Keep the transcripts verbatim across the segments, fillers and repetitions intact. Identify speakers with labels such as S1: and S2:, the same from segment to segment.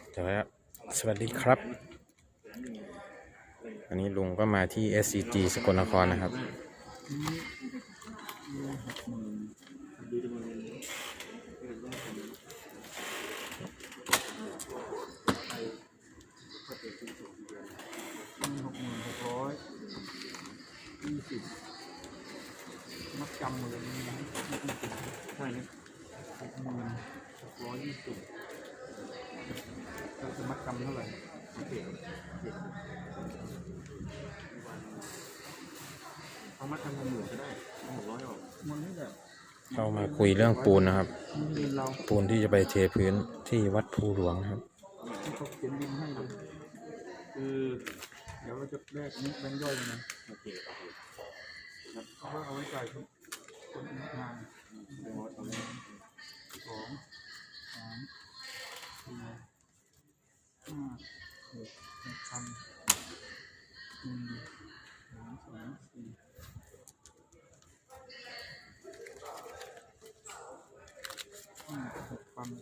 S1: เดี๋ยวสวัสดีครับอันนี้ลุงก็มาที่ เอส ซี จี สกลนครนะครับ
S2: หกหมื่นหกร้อยยี่สิบมัดจำเลยนะใช่นะหกหมื่นหกร้อยยี่สิบเราจะมัดจำเท่าไหร่โอเคเอามัดจำหมื่นก็ได้หกร้อยออกมันไม่แบบ
S1: เข้ามาคุยเรื่องปูนนะครับ
S2: เรา
S1: ปูนที่จะไปเทพื้นที่วัดภูหลวงครับ
S2: เขาเขียนบินให้เลยคือเดี๋ยวเราจะแลกนี้แบงค์ย่อยเลยนะโอเคโอเคครับเขาเอาไว้จ่ายคนงานสองสามสี่ห้าหกเจ็ดพันหนึ่งสองสามสี่ห้าหกพัน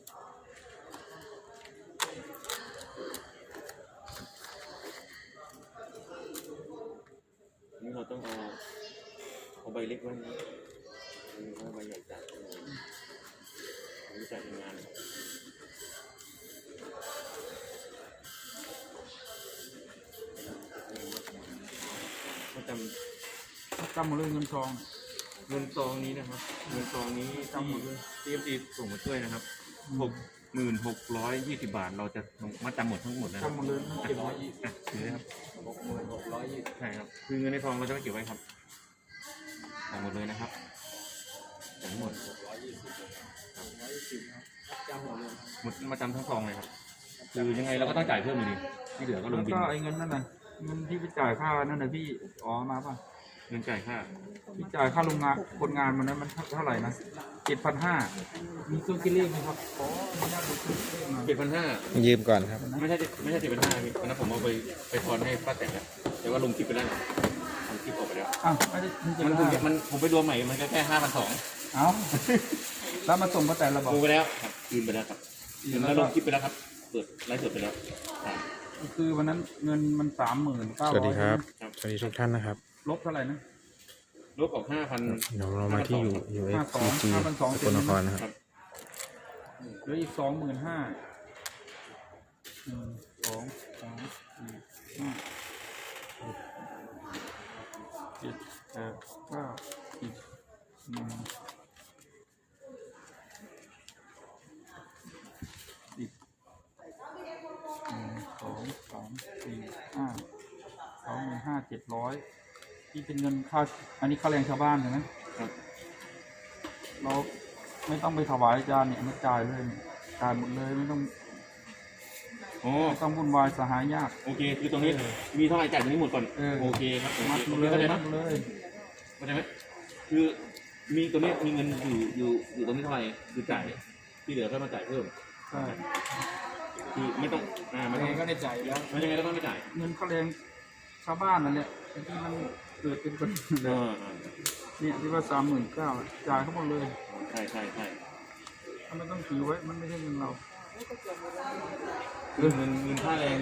S3: นี่เราต้องเอาเอาใบเล็กไว้นะเอาใบใหญ่จัดอันนี้จัดงานก็จำ
S2: จำหมดเลยเงินทอง
S3: เงินซองนี้นะครับเงินซองนี้ที่ที่เอฟซีส่งมาช่วยนะครับหกหมื่นหกร้อยยี่สิบบาทเราจะมาจำหมดทั้งหมดนะครับ
S2: จำหมดเลยเจ็ดร้อยยี่สิบ
S3: ถือครับ
S2: หกหมื่นหกร้อยยี่สิบ
S3: ใช่ครับคือเงินในซองเราจะไม่เก็บไว้ครับจำหมดเลยนะครับจำหมด
S2: หกร้อยยี่สิบร้อยยี่สิบนะจำหมดเลย
S3: หมดมาจำทั้งซองเลยครับคือยังไงเราก็ต้องจ่ายเพิ่มอยู่ดีที่เหลือก็ลงบิน
S2: ก็ไอ้เงินนั่นน่ะเงินที่ไปจ่ายค่านั่นน่ะพี่อ๋อมาป่ะ
S3: เงินจ่ายค่า
S2: พี่จ่ายค่าโรงงานคนงานมันนั้นมันเท่าไหร่นะเจ็ดพันห้ามีเครื่องคิดเลขไหมครับอ๋อไม่ได้ดูเครื่องคิดเลขมา
S3: เจ็ดพันห้า
S1: ยืมก่อนครับ
S3: ไม่ใช่ไม่ใช่เจ็ดพันห้าพี่วันนั้นผมเอาไปไปทอนให้ป้าแต่งแล้วแต่ว่าลงคลิปไปแล้วลงคลิปออกไปแล้ว
S2: อ้าวไม่ได้
S3: มันมันผมไปรวมใหม่มันแค่ห้าพันสอง
S2: เอ้าแล้วมาส่งป้าแต่เราบอก
S3: ลงไปแล้วครับคืนไปแล้วครับคืนแล้วลงคลิปไปแล้วครับเปิดไลฟ์สดไปแล้ว
S2: คือวันนั้นเงินมันสามหมื่นเก้าร้อย
S1: สวัสดีครับสวัสดีทุกท่านนะครับ
S2: ลบเท่าไหร่นะ
S3: ลบออกห้าพัน
S1: เดี๋ยวเรามาที่อยู่อยู่ เอส ซี จี สกลนครนะครับ
S2: เหลืออีกสองหมื่นห้าหนึ่งสองสามสี่ห้าหกเจ็ดแปดเก้าสิบหนึ่งสิบหนึ่งสองสามสี่ห้าสองหมื่นห้าเจ็ดร้อยที่เป็นเงินค่าอันนี้ค่าแรงชาวบ้านใช่ไหมครับเราไม่ต้องไปถวายอาจารย์เนี่ยไม่จ่ายเลยจ่ายหมดเลยไม่ต้อง
S3: โอ้
S2: ไม่ต้องวุ่นวายสหายยาก
S3: โอเคคือตรงนี้มีเท่าไหร่จ่ายตรงนี้หมดก่อนโอเคครับ
S2: มัดเลยมัดเลย
S3: เข้าใจไหมคือมีตัวนี้มีเงินอยู่อยู่อยู่ตรงนี้เท่าไหร่คือจ่ายที่เหลือก็มาจ่ายเพิ่ม
S2: ใช่
S3: คือไม่ต้องอ่าไม่ต้อง
S2: ก็ได้จ่ายแล้ว
S3: ไม่ยังไงก็ต้องไม่จ่าย
S2: เงินค่าแรงชาวบ้านนั่นแหละที่มันเกิดเป็นประเด็นเลยเนี่ยที่ว่าสามหมื่นเก้าจ่ายทั้งหมดเลย
S3: ใช่ใช่ใช่
S2: มันไม่ต้องถือไว้มันไม่ใช่เงินเรา
S3: เงินเงินค่าแรง